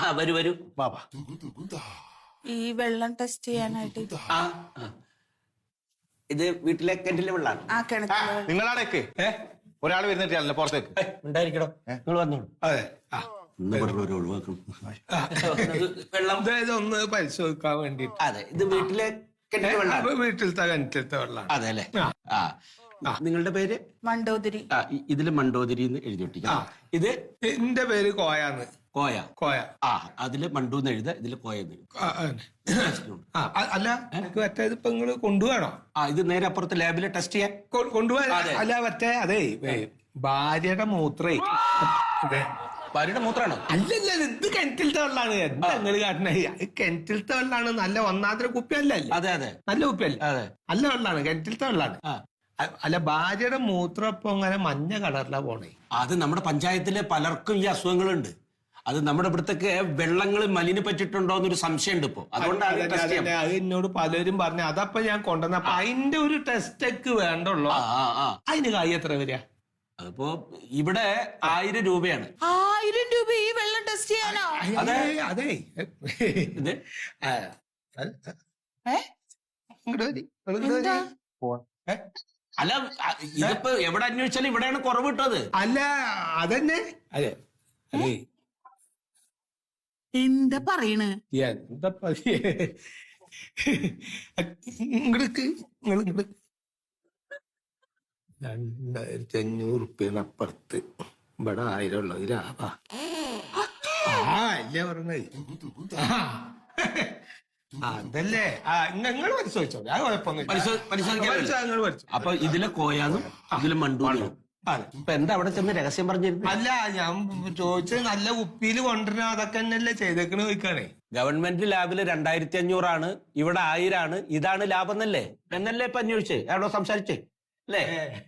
വരൂ വരൂ. വാ. ഈ വെള്ളം ടെസ്റ്റ് ചെയ്യാനായിട്ട് ആ ആ. ഇത് വീട്ടിലെ കിണറ്റിലെ വെള്ളമാണ്. ആ കിണറ്റിലെ നിങ്ങളാടേക്ക് ഒരാൾ വരുന്നിട്ടല്ലോ പുറത്തേക്ക്. ഉണ്ടായിരിക്കണോ? നിങ്ങൾ വന്നോളൂ. അതെ ഒഴിവാക്കണം വെള്ളം. അതായത് ഒന്ന് പരിശോധിക്കാൻ വേണ്ടിട്ട്. അതെ, ഇത് വീട്ടിലെ കിണറ്റിലെ വെള്ളം. വീട്ടിലത്തെ കിണറ്റിലത്തെ വെള്ളമാണ്. അതെ അല്ലേ? നിങ്ങളുടെ പേര്? മണ്ടോദരി. ഇതില് മണ്ടോദരി എന്ന് എഴുതി ഒട്ടിക്കാം. ഇത് എന്റെ പേര് കോയാന്ന്. കോയ. കോയ. അതില് മണ്ടൂന്ന് എഴുത, ഇതില് കോയെന്ന് എഴുതാം. അല്ല എനിക്ക് മറ്റേ ഇപ്പൊ നിങ്ങള് കൊണ്ടുപോകണോ? ഇത് നേരെ അപ്പുറത്ത് ലാബില് ടെസ്റ്റ് ചെയ്യാൻ കൊണ്ടുപോകാൻ. അല്ല മറ്റേ അതെ ഭാര്യയുടെ മൂത്രേ. ഭാര്യയുടെ മൂത്രാണോ? അല്ലല്ല, ഇത് കിണറ്റിലത്തെ വെള്ളമാണ്. എന്താ നിങ്ങൾ കാട്ടണേ? കിണറ്റിലത്തെ വെള്ളമാണ്. നല്ല ഒന്നാന്തര കുപ്പിയല്ല. അതെ അതെ, നല്ല കുപ്പിയല്ല. അതെ, നല്ല വെള്ളമാണ്, കിണറ്റിലത്തെ വെള്ളമാണ്. അല്ല ഭാര്യയുടെ മൂത്രം ഇപ്പൊ അങ്ങനെ മഞ്ഞ കളറിലാ പോണേ. അത് നമ്മുടെ പഞ്ചായത്തിലെ പലർക്കും ഈ അസുഖങ്ങളുണ്ട്. അത് നമ്മുടെ ഇവിടത്തേക്ക് വെള്ളങ്ങൾ മലിനപ്പെട്ടിട്ടുണ്ടോ എന്നൊരു സംശയമുണ്ട് ഇപ്പൊ. അതുകൊണ്ടാണ് അത് എന്നോട് പലരും പറഞ്ഞു. അതപ്പൊ ഞാൻ കൊണ്ടുവന്നപ്പോ അതിന്റെ ഒരു ടെസ്റ്റ് ഒക്കെ വേണ്ടുള്ളൂ. അതിന് കായ് എത്ര വരിക? അതിപ്പോ ഇവിടെ 1000 രൂപയാണ്. 1000 രൂപ ഈ വെള്ളം ടെസ്റ്റ് ചെയ്യാനോ? അതെ അതെ. ഇത് അല്ല, ഇതിപ്പോ എവിടെ അന്വേഷിച്ചാലും ഇവിടെയാണ് കുറവ് കിട്ടത്. അല്ല അതന്നെ. അതെ അതെ. എന്താ പറയണ്? എന്താ 2500 റുപ്യാണ് അപ്പുറത്ത്. ഇവിടെ 1000 ഉള്ളത് ലാഭാ. അല്ലേ പറഞ്ഞത്? അതല്ലേ നിങ്ങൾ പരിശോധിച്ചോ. ഞാൻ കുഴപ്പമൊന്നും. അപ്പൊ ഇതിലെ കോയാന്നും ഇതിലെ മണ്ടൂന്നും. ഇപ്പൊ എന്താ അവിടെ ചെന്ന് രഹസ്യം പറഞ്ഞിരുന്നു? അല്ല ഞാൻ ചോദിച്ചത് നല്ല കുപ്പിയിൽ കൊണ്ടുവരണോ അതൊക്കെ തന്നെയല്ലേ ചെയ്തേക്കണ് ചോദിക്കാണേ. ഗവൺമെന്റ് ലാബില് 2500 ആണ്, ഇവിടെ 1000 ആണ്. ഇതാണ് ലാഭം എന്നല്ലേ ഇപ്പൊ അന്വേഷിച്ചേ? എവിടോ സംസാരിച്ചേ അല്ലേ?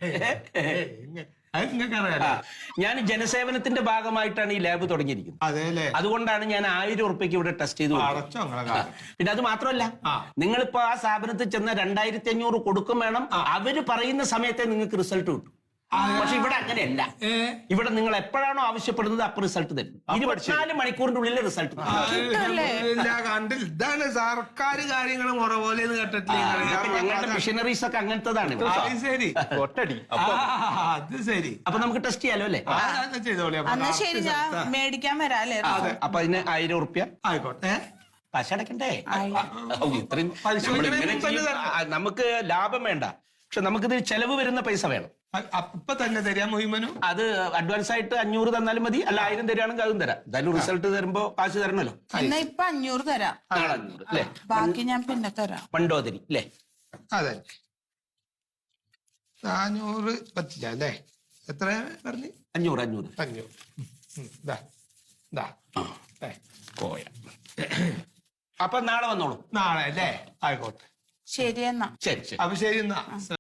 ഞാൻ ജനസേവനത്തിന്റെ ഭാഗമായിട്ടാണ് ഈ ലാബ് തുടങ്ങിയിരിക്കുന്നത്. അതുകൊണ്ടാണ് ഞാൻ 1000 ഉറുപ്പിക്ക് ഇവിടെ ടെസ്റ്റ് ചെയ്തു. പിന്നെ അത് മാത്രമല്ല, നിങ്ങളിപ്പോ ആ സ്ഥാപനത്തിൽ ചെന്ന 2500 കൊടുക്കും വേണം. അവര് പറയുന്ന സമയത്തെ നിങ്ങൾക്ക് റിസൾട്ട് കിട്ടും. പക്ഷെ ഇവിടെ അങ്ങനെയല്ല. ഇവിടെ നിങ്ങൾ എപ്പോഴാണോ ആവശ്യപ്പെടുന്നത് അപ്പൊ റിസൾട്ട് തരും. 24 മണിക്കൂറിന്റെ ഉള്ളിൽ റിസൾട്ട് കണ്ടില്ല. ഇതാണ് സർക്കാർ കാര്യങ്ങൾ മുറ പോലെ ഞങ്ങളുടെ മിഷനറീസ് ഒക്കെ അങ്ങനത്തതാണ്. ശരി അത് ശരി. അപ്പൊ നമുക്ക് ടെസ്റ്റ് ചെയ്യാലോ അല്ലേ? ശരി, ഞാൻ മേടിക്കാൻ വരാല്ലേ? അപ്പൊ അതിന് 1000 ഉറുപ്യ ആയിക്കോട്ടെ. കാശടക്കണ്ടേ? ഇത്രയും നമുക്ക് ലാഭം വേണ്ട, പക്ഷെ നമുക്കിത് ചെലവ് വരുന്ന പൈസ വേണം. അപ്പൊ തന്നെ തരാം മുഴുവനും. അത് അഡ്വാൻസ് ആയിട്ട് 500 തന്നാലും മതി. അല്ല 1000 തരാണെങ്കിൽ അതും തരാം. എന്തായാലും റിസൾട്ട് തരുമ്പോ കാശ് തരണല്ലോ. എന്നാ ഇപ്പൊ 500 തരാം. 500 അല്ലേ? ബാക്കി ഞാൻ പിന്നെ തരാം. മണ്ടോദരി അല്ലേ? അതെ. 400 പറ്റില്ല അല്ലേ? എത്ര പറഞ്ഞു? 500. കോയ. അപ്പൊ നാളെ വന്നോളൂ. നാളെ അല്ലേ? ആയിക്കോട്ടെ. ശരി എന്നാ. ശരി ശരി. അപ്പൊ ശരി എന്നാ.